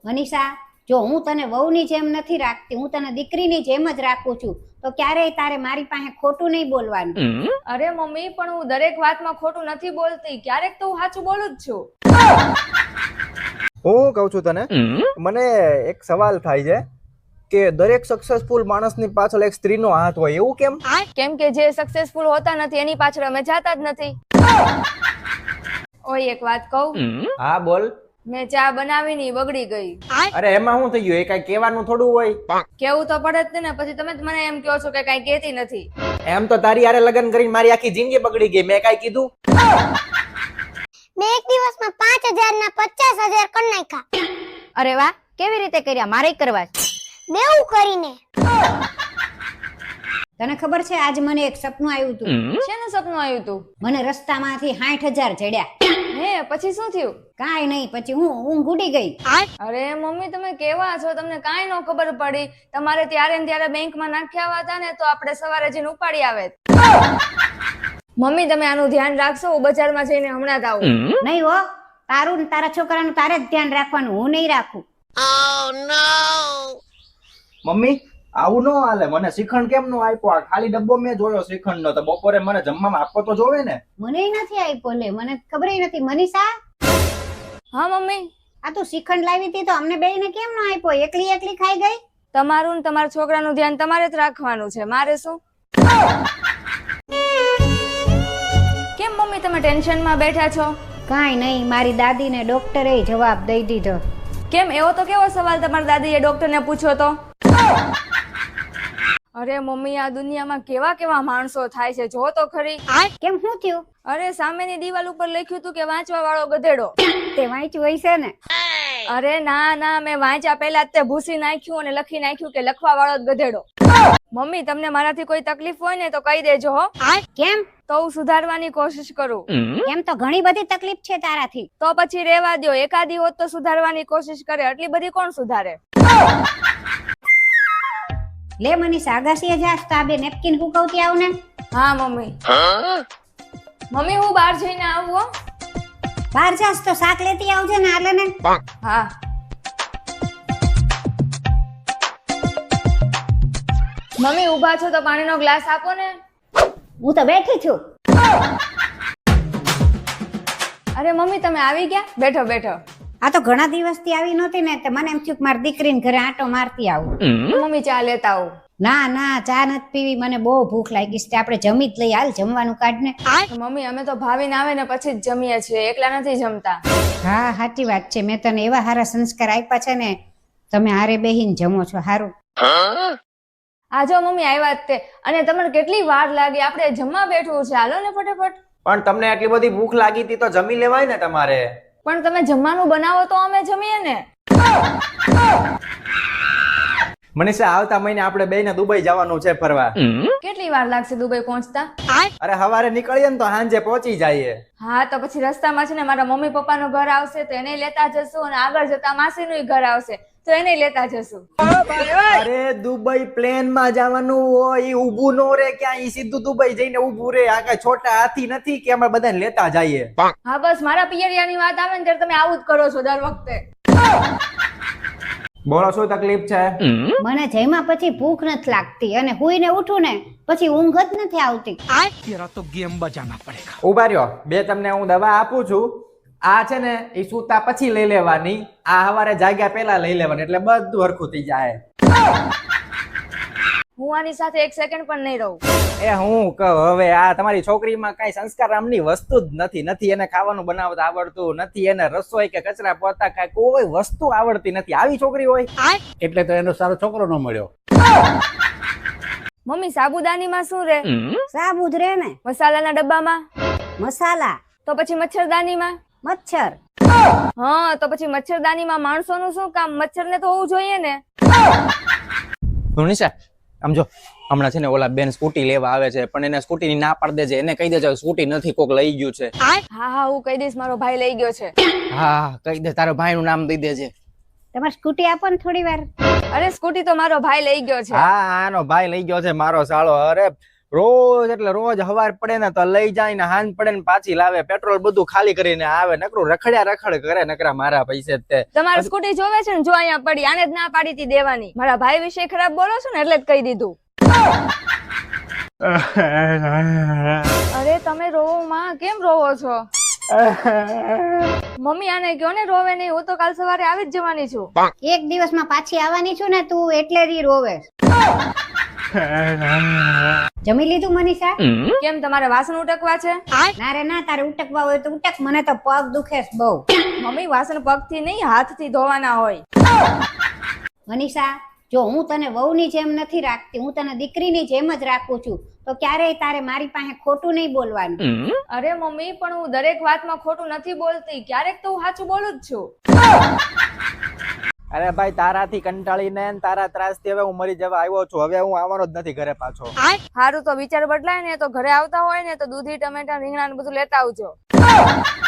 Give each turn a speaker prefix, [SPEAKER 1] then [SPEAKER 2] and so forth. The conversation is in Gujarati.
[SPEAKER 1] મનીષા, જો હું તને વહુની જેમ નથી રાખતી, હું તને દીકરીની જેમ જ રાખું છું, તો ક્યારેય તારે મારી પાસે ખોટું નહીં બોલવાનું.
[SPEAKER 2] અરે મમ્મી, પણ હું દરેક વાતમાં ખોટું નથી બોલતી, ક્યારેક તો હું સાચું બોલું જ છું.
[SPEAKER 3] હું કહું છું તને, મને એક સવાલ થાય છે કે દરેક સક્સેસફુલ માણસની પાછળ એક સ્ત્રીનો હાથ હોય, એવું કેમ?
[SPEAKER 2] કેમ કે જે સક્સેસફુલ હોતા નથી એની પાછળ અમે જાતા જ નથી. ઓય એક વાત કહું,
[SPEAKER 3] હા બોલ.
[SPEAKER 2] મેં ચા બનાવી ની બગડી ગઈ.
[SPEAKER 3] અરે એમાં શું થઈ ગયું? એ કઈ કહેવાનું થોડું હોય.
[SPEAKER 2] કેવું તો પડે જ ને, પછી તમે જ મને એમ કહો છો કે કઈ કહેતી નથી.
[SPEAKER 3] એમ તો તારી હારે લગ્ન કરીને મારી આખી જિંદગી બગડી ગઈ, મેં કઈ કીધું?
[SPEAKER 4] મેં એક દિવસમાં 5,000 ના 50,000 કરી નાખ્યા.
[SPEAKER 1] અરે વાહ, કેવી રીતે કર્યા? મારે કરવા છે.
[SPEAKER 4] બેઉ કરીને.
[SPEAKER 1] તને ખબર છે, આજ મને એક સપનું આવ્યું હતું.
[SPEAKER 2] શેનું સપનું આવ્યું તું?
[SPEAKER 1] મને રસ્તામાંથી 60,000 જડ્યા.
[SPEAKER 2] હે, પછી શું થયું?
[SPEAKER 1] કાંઈ નહીં, પછી હું ઊંઘ ઉડી ગઈ.
[SPEAKER 2] અરે મમ્મી, તમે કેવા છો? તમને કાંઈ ન ખબર પડી. તમારે ત્યારે ને ત્યારે બેંકમાં નાખ્યા હતા ને, તો આપણે સવારે જઈને ઉપાડી આવે. મમ્મી, તમે આનું ધ્યાન રાખશો? હું બજારમાં જઈને હમણાં જ આવું.
[SPEAKER 1] નહીં હો, તારું ને તારા છોકરાનું તારે જ ધ્યાન રાખવાનું, હું નહીં રાખું.
[SPEAKER 3] મમ્મી આવું ન હાલે. મને શ્રીખંડ કેમ નો આપ્યો? આ ખાલી ડબ્બો મેં જોયો શ્રીખંડ નો, તો બપોરે મને જમવામાં આપવો તો જોવે ને.
[SPEAKER 1] મને નથી આપ્યો, લે મને ખબર નથી. મનીષા,
[SPEAKER 2] હા મમ્મી.
[SPEAKER 1] આ તું શ્રીખંડ લાવી હતી તો અમને બેયને કેમ ન આપ્યો? એકલી એકલી ખાઈ ગઈ.
[SPEAKER 2] તમારું ને તમારા છોકરાનું ધ્યાન તમારે જ રાખવાનું છે, મારે શું? કેમ મમ્મી તમે ટેન્શનમાં બેઠા છો?
[SPEAKER 1] કાંઈ નહીં, મારી દાદીને ડોક્ટરે જવાબ દઈ દીધો.
[SPEAKER 2] કેમ? એવો તો કેવો સવાલ તમારી દાદીએ ડોક્ટરને પૂછ્યો તો? અરે મમ્મી, આ દુનિયામાં કેવા કેવા માણસો થાય છે, જો તો ખરી.
[SPEAKER 1] કેમ, શું થયું?
[SPEAKER 2] અરે સામેની દિવાલ ઉપર લખ્યું હતું કે વાંચવા વાળો ગધેડો.
[SPEAKER 1] તે વાંચ્યું હોય છે ને?
[SPEAKER 2] અરે ના ના, મેં વાંચ્યા પહેલા જ તે ભૂસી નાખ્યું અને લખી નાખ્યું કે લખવા વાળો જ ગધેડો. મમ્મી, તમને મારાથી કોઈ તકલીફ હોય ને તો કહી દેજો હો.
[SPEAKER 1] કેમ?
[SPEAKER 2] તો હું સુધારવાની કોશિશ કરું.
[SPEAKER 1] એમ તો ઘણી બધી તકલીફ છે તારાથી.
[SPEAKER 2] તો પછી રેવા દ્યો, એકાદી હોત તો સુધારવાની કોશિશ કરે, આટલી બધી કોણ સુધારે?
[SPEAKER 1] લે મનીષા, અગાસીએ જાસ તો આ બે નેપકિન હુકવતી આવ ને.
[SPEAKER 2] હા મમ્મી. મમ્મી, હું બહાર જઈને આવું હો.
[SPEAKER 1] બહાર જાસ તો શાક લેતી આવજે ને, આલે ને.
[SPEAKER 2] હા. મમ્મી ઊભા છો તો પાણીનો ગ્લાસ આપો ને.
[SPEAKER 1] હું તો બેઠી છું.
[SPEAKER 2] અરે મમ્મી, તમે આવી ગયા? બેઠો બેઠો.
[SPEAKER 1] આ તો ઘણા દિવસથી આવી નહોતી ને, તો મને એમ થયું કે મારી દીકરીને ઘરે આંટો મારતી આવું.
[SPEAKER 2] મમ્મી ચા લેતા આવું.
[SPEAKER 1] ના ના, ચા નથી પીવી, મને બહુ ભૂખ લાગી છે. આપણે જમી જ લઈ, હાલ જમવાનું કાઢ ને.
[SPEAKER 2] મમ્મી, અમે તો ભાવીને આવે ને પછી જ જમીએ છીએ, એકલા નથી જમતા.
[SPEAKER 1] હા, સાચી વાત છે. મેં તને એવા સારા સંસ્કાર આપ્યા છે ને, તમે હારે બેહીને જમો છો. હારું.
[SPEAKER 2] આ જો મમ્મી આવ્યા જ તે, અને તમને કેટલી વાર લાગી? આપણે જમવા બેઠવું છે, હાલો ને ફટાફટ.
[SPEAKER 3] પણ તમને આટલી બધી ભૂખ લાગી હતી તો જમી લેવાય ને તમારે.
[SPEAKER 2] પણ તમે જમવાનું બનાવો તો અમે જમીએ ને.
[SPEAKER 3] મનીષા, આવતા મહિને આપણે બેયને દુબઈ જવાનું છે ફરવા.
[SPEAKER 2] કેટલી વાર લાગશે દુબઈ પહોંચતા?
[SPEAKER 3] અરે સવારે નીકળીએ ને તો સાંજે પહોંચી જઈએ.
[SPEAKER 2] હા, તો પછી રસ્તામાં છે ને મારા મમ્મી પપ્પાનું ઘર આવશે તો એને લેતા જશું, અને આગળ જતા માસીનું ઘર આવશે તો એને લેતા જશું.
[SPEAKER 3] અરે દુબઈ પ્લેન માં જવાનું હોય, ઈ ઊભું નો રે ક્યાં, ઈ સીધું દુબઈ જઈને ઊભું રે. આ કઈ છોટા હાથી નથી કે અમે બધાને લેતા જઈએ.
[SPEAKER 2] હા, બસ મારા પિયરિયાની વાત આવે ને ત્યારે તમે આવું જ કરો છો દર વખતે.
[SPEAKER 3] બોલો, શું તકલીફ છે?
[SPEAKER 1] મને જમ્યા પછી ભૂખ નથી લાગતી, અને હુઈને ઉઠું ને પછી ઊંઘ જ નથી આવતી.
[SPEAKER 5] तेरा तो गेम बजाना पड़ेगा.
[SPEAKER 3] ઉભા રહ્યો, બે તમને હું દવા આપું છું. આ છે ને એ સૂતા પછી લઈ લેવાની, આ સવારે જાગ્યા પહેલા લઈ લેવાની, એટલે બધું હરખું થઈ જાય.
[SPEAKER 2] હું આની સાથે એક સેકન્ડ પણ નહીં રહું.
[SPEAKER 3] એ હું કહું હવે, આ તમારી છોકરીમાં કઈ સંસ્કાર નામની વસ્તુ જ નથી. નથી એને ખાવાનું બનાવતા આવડતું, નથી એને રસોઈ કે કચરા પોતા કઈ કોઈ વસ્તુ આવડતી નથી. આવી છોકરી હોય
[SPEAKER 5] એટલે તો એનો સારો છોકરો ન મળ્યો.
[SPEAKER 2] મમ્મી, સાબુદાનીમાં શું રે?
[SPEAKER 1] સાબુ જ રે ને.
[SPEAKER 2] મસાલાના ડબ્બામાં?
[SPEAKER 1] મસાલા.
[SPEAKER 2] તો પછી મચ્છરદાનીમાં?
[SPEAKER 1] મચ્છર.
[SPEAKER 2] હા, તો પછી મચ્છરદાનીમાં માણસોનું શું કામ? મચ્છરને તો હોવું જોઈએ ને.
[SPEAKER 3] મનીષા, આમ જો, હમણાં છે ને ઓલા બેન સ્કૂટી લેવા આવે છે, પણ એને સ્કૂટી ની ના પાડી દેજે. એને કહી દેજે સ્કૂટી નથી, કોક લઈ ગયું છે.
[SPEAKER 2] હા હા, હું કહી દઈશ મારો ભાઈ લઈ ગયો છે.
[SPEAKER 3] હા, કહી દે, તારો ભાઈ નું નામ દઈ દેજે.
[SPEAKER 1] તમારે સ્કૂટી આપો ને થોડી વાર.
[SPEAKER 2] અરે સ્કૂટી તો મારો ભાઈ લઈ ગયો છે.
[SPEAKER 3] હા, આનો ભાઈ લઈ ગયો છે મારો સાળો. અરે રોજ એટલે રોજ હવાર પડે ને તો લઈ જાય ને હાંજ પડે ને પાછી લાવે, પેટ્રોલ બધું ખાલી કરીને આવે, નકરું રખડ્યા રખડ કરે, નકરા મારા પૈસે જ તે.
[SPEAKER 2] તમારી સ્કૂટી જોવે છે ને, જો અહીંયા પડી, આને જ ના પાડી હતી દેવાની. મારા ભાઈ વિશે ખરાબ બોલો છો ને એટલે જ કહી દીધું. અરે તમે રોવો માં, કેમ રોવો છો? મમ્મી આને કયો ને રોવે નહીં, હું તો કાલ સવારે આવી જ જવાની છું.
[SPEAKER 1] એક દિવસમાં પાછી આવવાની છું ને તું, એટલે જ ઈ રોવે. જમી લીધું મનીષા?
[SPEAKER 2] કેમ તમારે વાસણ ઉટકવા છે?
[SPEAKER 1] ના રે ના, તારે ઉટકવા હોય તો ઉટક, મને તો પગ દુખે છે બહુ.
[SPEAKER 2] મમ્મી વાસણ પગથી નહીં હાથથી ધોવાના હોય.
[SPEAKER 1] મનીષા, જો હું તને વહુની જેમ નથી રાખતી, હું તને દીકરીની જેમ જ રાખું છું, તો ક્યારેય તારે મારી પાસે ખોટું નહીં બોલવાનું.
[SPEAKER 2] અરે મમ્મી, પણ હું દરેક વાતમાં ખોટું નથી બોલતી, ક્યારેક તો હું સાચું બોલું જ છું.
[SPEAKER 3] અરે ભાઈ, તારાથી કંટાળીને ને તારા ત્રાસથી હવે હું મરી જવા આવ્યો છું. હવે હું આવવાનો જ નથી ઘરે પાછો.
[SPEAKER 2] સારું, તો વિચાર બદલાય ને તો ઘરે આવતા હોય ને તો દૂધી, ટમેટા, રીંગણા ને બધું લેતા આવજો.